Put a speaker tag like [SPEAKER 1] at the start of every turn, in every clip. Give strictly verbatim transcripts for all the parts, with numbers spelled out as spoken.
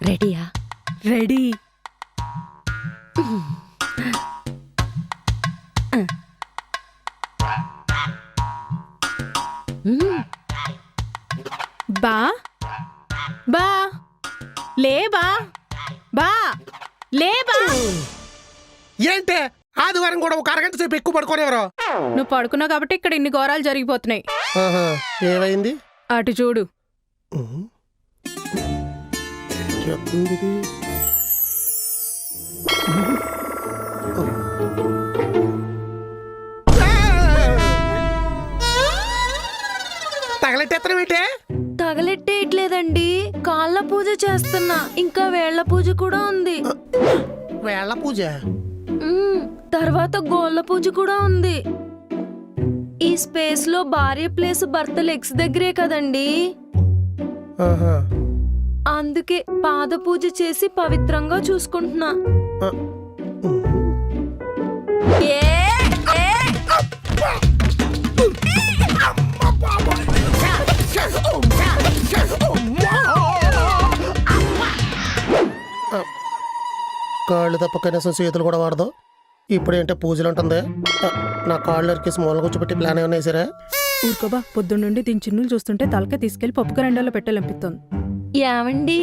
[SPEAKER 1] రెడీయా?
[SPEAKER 2] రెడీ. బా బా లే బా బా లే బా.
[SPEAKER 3] ఏంటే ఆదివారం కూడా ఒక అరగంట సేపు ఎక్కువ పడుకోనేవరు?
[SPEAKER 2] నువ్వు పడుకున్నావు కాబట్టి ఇక్కడ ఇన్ని ఘోరాలు జరిగిపోతున్నాయి.
[SPEAKER 3] ఏమైంది?
[SPEAKER 2] అటు చూడు.
[SPEAKER 3] తగలెట్టేత్తనమేంటే?
[SPEAKER 1] తగలెట్టేయట్లేదండి, కాళ్ళ పూజ చేస్తున్నా. ఇంకా వేళ్ల పూజ కూడా ఉంది.
[SPEAKER 3] వేళ్ల పూజ
[SPEAKER 1] మ్మ్, తర్వాత గోళ్ళ పూజ కూడా ఉంది. ఈ స్పేస్ లో భార్య ప్లేస్ భర్త లెగ్స్ దగ్గరే కదండి, అందుకే పాద పూజ చేసి పవిత్రంగా చూసుకుంటున్నా. ఏ, ఏ.
[SPEAKER 3] కాళ్ళు తప్ప కనీసం చేతులు కూడా వాడదు. ఇప్పుడేంటే పూజలు ఉంటుంది. నా కాళ్ళు అరికేసి మూల కూర్చోబెట్టి ప్లాన్ ఏమన్నా వేసారా?
[SPEAKER 2] ఊరుకోబా, పొద్దున్నుండి దీని చిన్నులు చూస్తుంటే తలకే తీసుకెళ్లి పప్పు కరెండాలో పెట్టాలనిపిస్తుంది.
[SPEAKER 1] ఏమండి,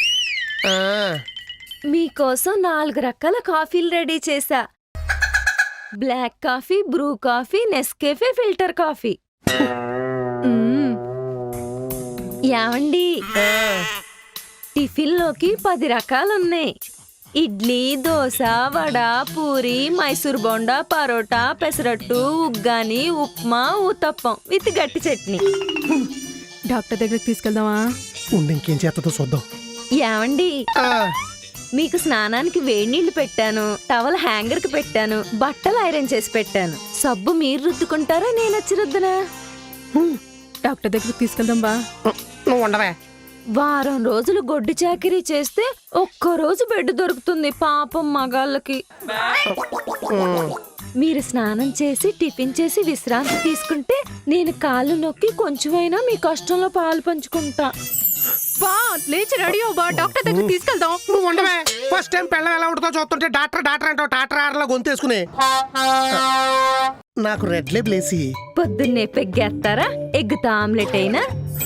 [SPEAKER 1] మీకోసం నాలుగు రకాల కాఫీలు రెడీ చేశా. Black coffee, Bru coffee, Nescafe, filter coffee. ఏమండి, టిఫిన్ లోకి పది రకాలున్నాయి. ఇడ్లీ, దోశ, వడ, పూరి, మైసూర్ బోండా, పరోటా, పెసరట్టు, ఉగ్గాని, ఉప్మా, ఊతప్పం విత్ గట్టి చట్నీ.
[SPEAKER 2] డాక్టర్ దగ్గరికి తీసుకెళ్దామా?
[SPEAKER 3] ఉండి ఇంకేం చేస్తుందో చూద్దాం.
[SPEAKER 1] ఏమండి, మీకు స్నానానికి వేడి నీళ్లు పెట్టాను, టవల్ హ్యాంగర్ కి పెట్టాను, బట్టలు ఐరన్ చేసి పెట్టాను. సబ్బు మీరు రుద్దుకుంటారా, నేను వచ్చి రుద్దనా?
[SPEAKER 2] డాక్టర్ దగ్గరికి తీసుకెళ్దాం బా.
[SPEAKER 3] నువ్వు ఉండవే.
[SPEAKER 1] వారం రోజులు గొడ్డు చాకరీ చేస్తే ఒక్క రోజు బెడ్ దొరుకుతుంది పాపం మగాళ్ళకి. మీరు స్నానం చేసి టిఫిన్ చేసి విశ్రాంతి తీసుకుంటే నేను కాళ్ళు నొక్కి కొంచెమైనా మీ కష్టంలో పాలు పంచుకుంటా.
[SPEAKER 2] బా లేచి రెడీ అవ్వు బా, డాక్టర్ దగ్గరికి తీసుకెళ్దాం.
[SPEAKER 3] నువ్వు ఉండవే. ఫస్ట్ టైం పెళ్ళం ఎలా ఉంటుందో చూస్తుంటే డాక్టర్ డాక్టర్ అంటావు. డాక్టర్ ఆడలో గొంతేసుకునే నాకు రెడ్ లేబుల్ వేసి
[SPEAKER 1] పొద్దున్నే పెగ్గేస్తారా? ఎగ్గుతా ఆమ్లెట్ అయినా?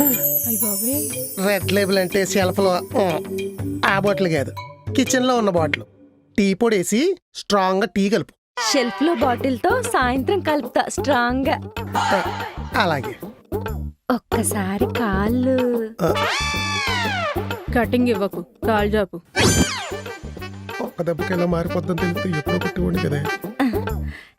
[SPEAKER 3] రెడ్ లేబుల్ అంటే షెల్ఫ్ లో ఆ బాటిల్ కాదు, కిచెన్ లో ఉన్న బాటిల్. టీ పొడి వేసి స్ట్రాంగ్ గా టీ కలుపు.
[SPEAKER 1] షెల్ఫ్ లో బాటిల్ తో సాయంత్రం కలుపుతా స్ట్రాంగ్ గా.
[SPEAKER 3] అలాగే.
[SPEAKER 1] ఒక్కసారి కాళ్ళు
[SPEAKER 2] కటింగ్ ఇవ్వకు, కాల్ జాపు.
[SPEAKER 3] ఒక్క దెబ్బకి ఎలా మారిపోద్దని తెలిస్తే ఎప్పుడో కొట్టి కదా.